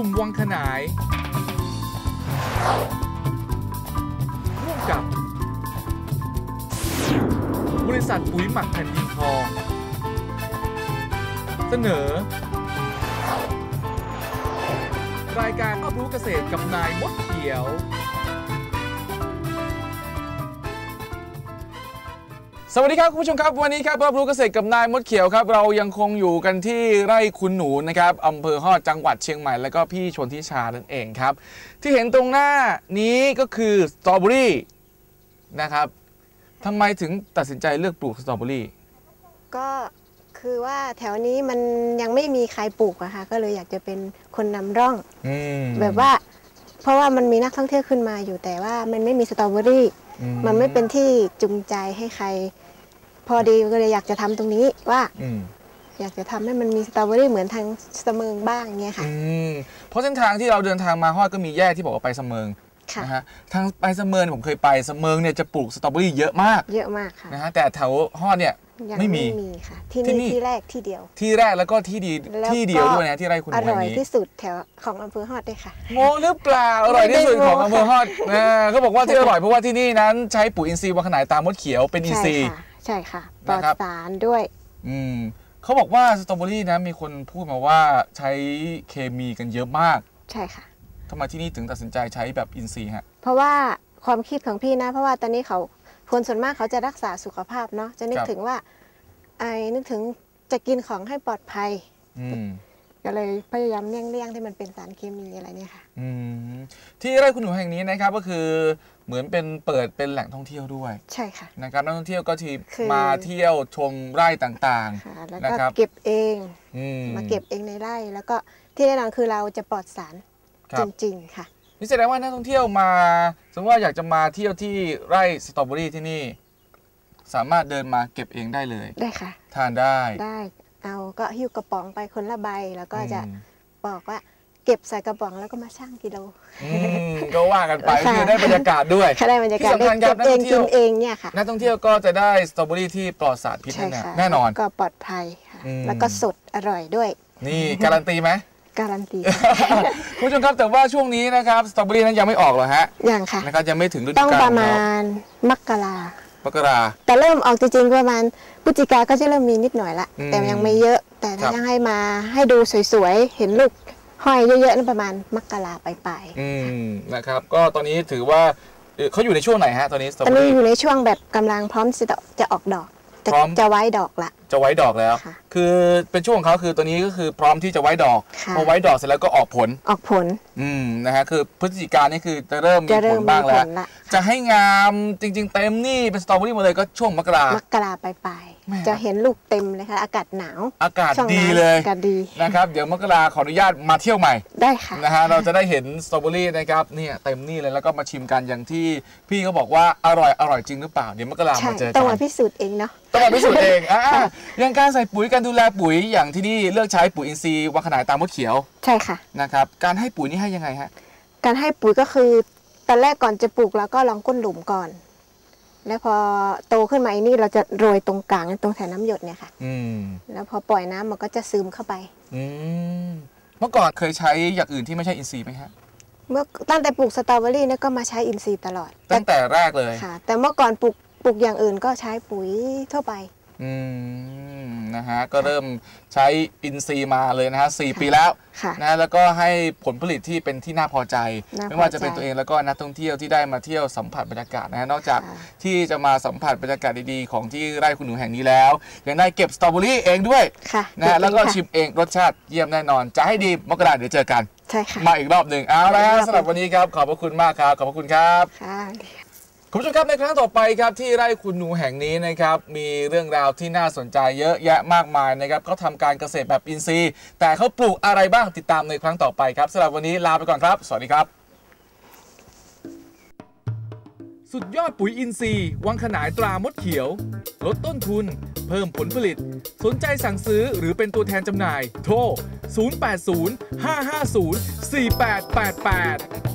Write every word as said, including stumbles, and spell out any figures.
มวังขนายร่วมกับบริษัทปุ๋ยหมักแผ่นดินทองเสนอรายการรอบรู้เกษตรกับนายมดเขียวสวัสดีครับคุณผู้ชมครับวันนี้ครับรอบรู้เกษตรกับนายมดเขียวครับเรายังคงอยู่กันที่ไร่คุณหนูนะครับอำเภอฮอดจังหวัดเชียงใหม่แล้วก็พี่ชนทิชานั่นเองครับที่เห็นตรงหน้านี้ก็คือสตรอเบอรี่นะครับทำไมถึงตัดสินใจเลือกปลูกสตรอเบอรี่ก็คือว่าแถวนี้มันยังไม่มีใครปลูกอะค่ะก็เลยอยากจะเป็นคนนำร่องแบบว่าเพราะว่ามันมีนักท่องเที่ยวขึ้นมาอยู่แต่ว่ามันไม่มีสตรอเบอรี่มันไม่เป็นที่จูงใจให้ใครพอดีก็เลยอยากจะทำตรงนี้ว่าอยากจะทำให้มันมีสตรอเบอรี่เหมือนทางเสมิงบ้างเงี้ยค่ะเพราะเส้นทางที่เราเดินทางมาฮอดก็มีแยกที่บอกว่าไปเสมิงนะฮะทางไปเสมิงผมเคยไปเสมิงเนี่ยจะปลูกสตรอเบอรี่เยอะมากเยอะมากค่ะนะฮะแต่แถวฮอดเนี่ยไม่มีค่ะที่นี่ที่แรกที่เดียวที่แรกแล้วก็ที่ดีที่เดียวด้วยนะที่ไร่คุณหนูแห่งนี้อร่อยที่สุดแถวของอำเภอฮอดด้วยค่ะโมหรือเปล่าอร่อยที่สุดของอำเภอฮอดนะเขาบอกว่าที่อร่อยเพราะว่าที่นี่นั้นใช้ปุ๋ยอินทรีย์วังขนายตามมดเขียวเป็นอินทรีย์ใช่ค่ะปลอดสารด้วยอืมเขาบอกว่าสตรอเบอรี่นะมีคนพูดมาว่าใช้เคมีกันเยอะมากใช่ค่ะทำไมที่นี่ถึงตัดสินใจใช้แบบอินทรีย์ฮะเพราะว่าความคิดของพี่นะเพราะว่าตอนนี้เขาคนส่วนมากเขาจะรักษาสุขภาพเนาะจะนึกถึงว่าไอ้นึกถึงจะกินของให้ปลอดภัยก็เลยพยายามเลี่ยงๆที่มันเป็นสารเคมีอะไรเนี่ยค่ะที่ไร่คุณหนูแห่งนี้นะครับก็คือเหมือนเป็นเปิดเป็นแหล่งท่องเที่ยวด้วยใช่ค่ะนะครับนักท่องเที่ยวก็ที่มาเที่ยวชมไร่ต่างๆแล้วก็เก็บเองมาเก็บเองในไร่แล้วก็ที่แน่นอนคือเราจะปลอดสารจริงๆค่ะนี่แสดงว่านักท่องเที่ยวมาสมมติว่าอยากจะมาเที่ยวที่ไร่สตรอเบอรี่ที่นี่สามารถเดินมาเก็บเองได้เลยได้ค่ะทานได้ได้เอาก็หิ้วกระป๋องไปคนละใบแล้วก็จะบอกว่าเก็บใส่กระป๋องแล้วก็มาชั่งกิโลก็ว่ากันไปคือได้บรรยากาศด้วยได้บรรยากาศได้เก็บเองกินเองเนี่ยค่ะนักท่องเที่ยวก็จะได้สตรอเบอรี่ที่ปลอดสารพิษแน่นอนก็ปลอดภัยค่ะแล้วก็สดอร่อยด้วยนี่การันตีไหมการันตีคุณผู้ชมครับแต่ว่าช่วงนี้นะครับสตรอเบอรี่นั้นยังไม่ออกหรอฮะยังค่ะนะครับยังไม่ถึงฤดูกาลต้องประมาณมกรามกราแต่เริ่มออกจริงๆประมาณพฤศจิกาก็จะเริ่มมีนิดหน่อยละแต่ยังไม่เยอะแต่ถ้ายังให้มาให้ดูสวยๆเห็นลูกห้อยเยอะๆนั่นประมาณมกราปลายๆอืมนะครับก็ตอนนี้ถือว่าเขาอยู่ในช่วงไหนฮะตอนนี้ตอนนี้อยู่ในช่วงแบบกำลังพร้อมจะจะออกดอกจะไว้ดอกละจะไว้ดอกแล้วคือเป็นช่วงของเขาคือตัวนี้ก็คือพร้อมที่จะไว้ดอกพอไว้ดอกเสร็จแล้วก็ออกผลออกผลอืมนะฮะคือพฤศจิกายนนี่คือจะเริ่มมีผลบ้างแล้วจะให้งามจริงๆเต็มนี่เป็นสตรอเบอรี่หมดเลยก็ช่วงมกรามกราปลายๆจะเห็นลูกเต็มเลยค่ะอากาศหนาวอากาศดีเลยอากาศดีนะครับเดี๋ยวมกราขออนุญาตมาเที่ยวใหม่ได้ค่ะนะฮะเราจะได้เห็นสตรอเบอรี่นะครับเนี่ยเต็มนี่เลยแล้วก็มาชิมกันอย่างที่พี่เขาบอกว่าอร่อยอร่อยจริงหรือเปล่าเดี๋ยวมกรามาเจอกันต้องมาพิสูจน์เองเนาะต้องมาพิสูจน์เองอ่าอย่างการใส่ปุ๋ยการดูแลปุ๋ยอย่างที่นี่เลือกใช้ปุ๋ยอินทรีย์วังขนายตามมดเขียวใช่ค่ะนะครับการให้ปุ๋ยนี่ให้ยังไงฮะการให้ปุ๋ยก็คือตอนแรกก่อนจะปลูกแล้วก็ลองก้นหลุมก่อนแล้วพอโตขึ้นมาอีนี่เราจะโรยตรงกลางตรงแถวน้ำหยดเนี่ยค่ะอืมแล้วพอปล่อยน้ำมันก็จะซึมเข้าไปอืมเมื่อก่อนเคยใช้อย่างอื่นที่ไม่ใช่อินทรีย์ไหมฮะเมื่อตั้งแต่ปลูกสตรอเบอรี่เนี่ยก็มาใช้อินทรีย์ตลอดตั้งแต่แรกเลยค่ะแต่เมื่อก่อนปลูกปลูกอย่างอื่นก็ใช้ปุ๋ยทั่วไปอืมนะฮะก็เริ่มใช้อินทรีย์มาเลยนะฮะสี่ปีแล้วนะแล้วก็ให้ผลผลิตที่เป็นที่น่าพอใจไม่ว่าจะเป็นตัวเองแล้วก็นักท่องเที่ยวที่ได้มาเที่ยวสัมผัสบรรยากาศนะฮะนอกจากที่จะมาสัมผัสบรรยากาศดีๆของที่ไร่คุณหนูแห่งนี้แล้วยังได้เก็บสตรอเบอรี่เองด้วยนะฮะแล้วก็ชิมเองรสชาติเยี่ยมแน่นอนจะให้ดีมกราเดี๋ยวเจอกันใช่ค่ะมาอีกรอบหนึ่งเอาละสำหรับวันนี้ครับขอบพระคุณมากครับขอบพระคุณครับคุณผู้ชมครับในครั้งต่อไปครับที่ไร่คุณหนูแห่งนี้นะครับมีเรื่องราวที่น่าสนใจเยอะแยะมากมายนะครับเขาทำการเกษตรแบบอินทรีย์แต่เขาปลูกอะไรบ้างติดตามในครั้งต่อไปครับสำหรับวันนี้ลาไปก่อนครับสวัสดีครับสุดยอดปุ๋ยอินทรีย์วังขนายตรามดเขียวลดต้นทุนเพิ่มผลผลิตสนใจสั่งซื้อหรือเป็นตัวแทนจำหน่ายโทรศูนย์ แปด ศูนย์ ห้า ห้า ศูนย์ สี่ แปด แปด แปด